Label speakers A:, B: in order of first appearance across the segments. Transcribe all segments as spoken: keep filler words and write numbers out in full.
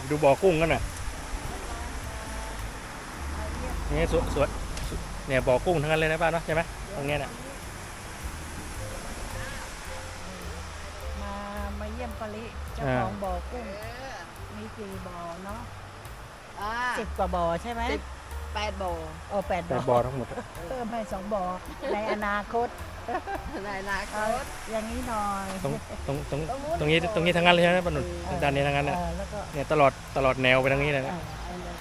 A: ดูบ่อกุ้งกันหน่อยนี่สวยสวยเนี่ยบ่อกุ้งทั้งนั้นเลยนะป้าเนาะใช่ไหมตรงเนี้ยเนี่ย
B: มามาเยี่ยมปาริเจ้าของบ่อกุ้งมีกี่บ่อเนาะสิบกว่าบ่อใช่ไหม
C: แปดบ่อ
B: โอ้แปด
A: แต่
B: บ่อ
A: บ่อทั้งหมด
B: เพิ่มให้สองบ่อในอนาคต
C: ในอนาค
B: เอา
C: ต
B: อย่างนี้หน่อย
A: ตรงตรงตรงตรงนี้ตรงนี้ทั้งนั้นเลยใช่ไหมป้าหนุนด้านนี้ทั้งนั้นเนี่ย
B: เออแล้วก็
A: เนี่ยตลอดตลอดแนวไปทางนี้เลย
B: เอ
A: นะ
B: อเอาเลย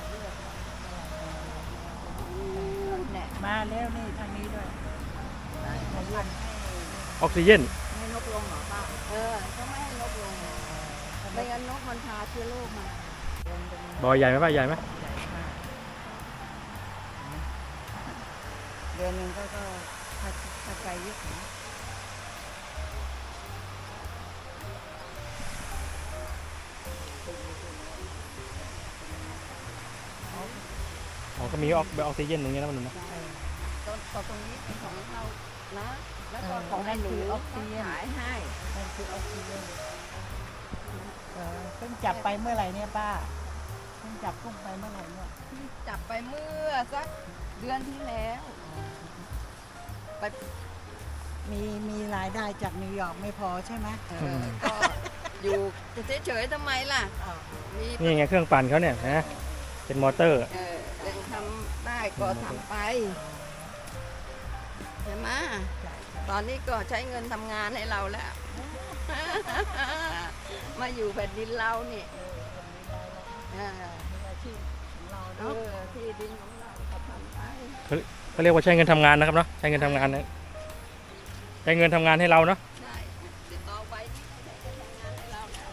C: เนี่ย
B: มาเร็วนี่ทางนี้ด้วยมาเยี่ยม
A: ออกซิเจน
C: ให้นกลงเหรอป้าเออเขาไม่ให้นกลงไม่งั้นนกมันพาเชื้อโรคมา
A: บ่อใหญ่ไหมป้าใหญ่ไหม
C: เดือนหนึ่งก็ก็ถ้าถ้าไกลเยอะนะ
A: อ๋อก็มีออกออกซิเจนตรงนี้นะป้าหนุนนะ
C: ต้นต่อตรงนี้เป็นของเรานะแล้วก็ของให้หนูขายให้
B: นั่นคือออกซิเจนเออเพิ่งจับไปเมื่อไหร่เนี่ยป้าเพิ่งจับกุ้งไปเมื่อไหร่เนี่ย
C: ที่จับไปเมื่อสักเดือนที่แล้วไป
B: มีมีรายได้จากนิวยอร์กไม่พอใช่ไหม
C: เออก็อยู่เฉยๆทำไมล่ะมี
A: นี่ไงเครื่องปั่นเขาเนี่ยนะเป็นมอเตอร์
C: เออยังทำได้ก็ทำไปใช่ไหมตอนนี้ก็ใช้เงินทำงานให้เราแล้ว มาอยู่แผ่นดินเรานี่เออ
B: อาชีพของเรา
C: เอ
B: เนาะ
C: อที่ดินของเราก็ทำไป
A: เขาเรียกว่าใช้เงินทำงานนะครับเนาะใช้เงินทำงานนะใช้เงินทำงานให้เราเนาะ
C: ใช่ติดต่อไปที่ได้ทำงานให้เราแล้ว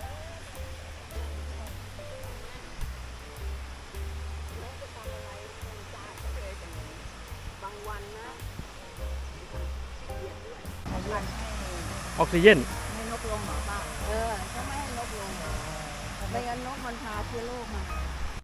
C: แล้วจะทำอะไรเป็นจ้าก็เลยแต่บางวันนะขี้เกียจด้วย
B: มาเยี่ยม
A: ออกซิเจน
C: ให้นกลงเหรอป้าเออเขาไม่ให้นกลงไม่งั้นนกมันพาเชื้อโรคมา